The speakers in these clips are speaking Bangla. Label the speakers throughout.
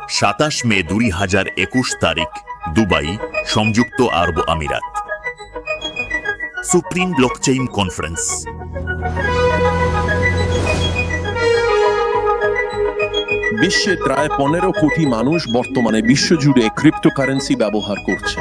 Speaker 1: 27 মে 2021 তারিখ, দুবাই, সংযুক্ত আরব আমিরাত। Supreme Blockchain Conference.
Speaker 2: বিশ্বে প্রায় 15 কোটি মানুষ বর্তমানে বিশ্বজুড়ে ক্রিপ্টোকারেন্সি ব্যবহার করছে।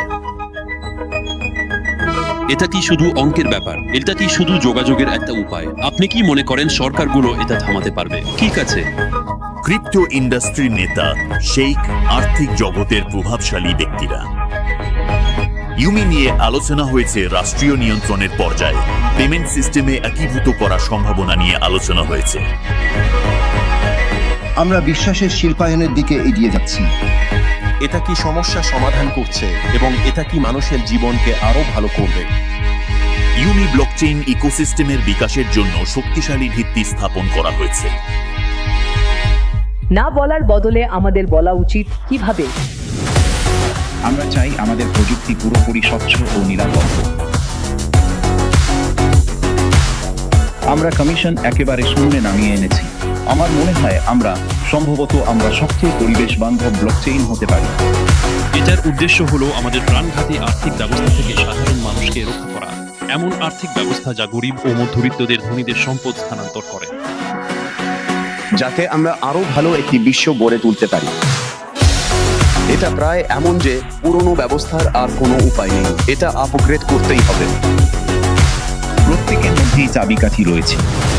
Speaker 3: এটা কি শুধু অঙ্কের ব্যাপার? এটা কি শুধু যোগাযোগের একটা উপায়? আপনি কি মনে করেন সরকারগুলো এটা থামাতে পারবে? ঠিক আছে,
Speaker 1: ক্রিপ্টো ইন্ডাস্ট্রির নেতা, শেইখ, আর্থিক জগতের প্রভাবশালী ব্যক্তিরা। ইউমি নিয়ে আলোচনা হয়েছে রাষ্ট্রীয় নিয়ন্ত্রণের পর্যায়ে। পেমেন্ট সিস্টেমে একীভূত করার সম্ভাবনা নিয়ে আলোচনা হয়েছে।
Speaker 4: আমরা বিশ্বাসের শিল্পায়নের দিকে এগিয়ে যাচ্ছি।
Speaker 2: এটা কি সমস্যা সমাধান করছে এবং এটা কি মানুষের জীবনকে আরো ভালো করবে?
Speaker 1: ইউমি ব্লকচেইন ইকোসিস্টেমের বিকাশের জন্য শক্তিশালী ভিত্তি স্থাপন করা হয়েছে।
Speaker 5: না বলার বদলে আমাদের বলা উচিত কিভাবে।
Speaker 6: আমরা চাই আমাদের প্রযুক্তি পুরোপুরি স্বচ্ছ ও নিরাপদ। আমরা কমিশন একেবারে শূন্যে নামিয়ে এনেছি। আমার মনে হয় সম্ভবত আমরা সবচেয়ে পরিবেশ বান্ধব ব্লকচেইন হতে পারি।
Speaker 3: এটার উদ্দেশ্য হলো আমাদের প্রাণঘাতী আর্থিক ব্যবস্থা থেকে সাধারণ মানুষকে রক্ষা করা, এমন আর্থিক ব্যবস্থা যা গরিব ও মধ্যবিত্তদের ধনীদের সম্পদ স্থানান্তর করে,
Speaker 7: যাতে আমরা আরো ভালো একটি বিশ্ব গড়ে তুলতে পারি। এটা প্রায় এমন যে পুরনো ব্যবস্থার আর কোনো উপায় নেই, এটা আপগ্রেড করতেই হবে।
Speaker 6: প্রত্যেকের মধ্যেই চাবিকাঠি রয়েছে।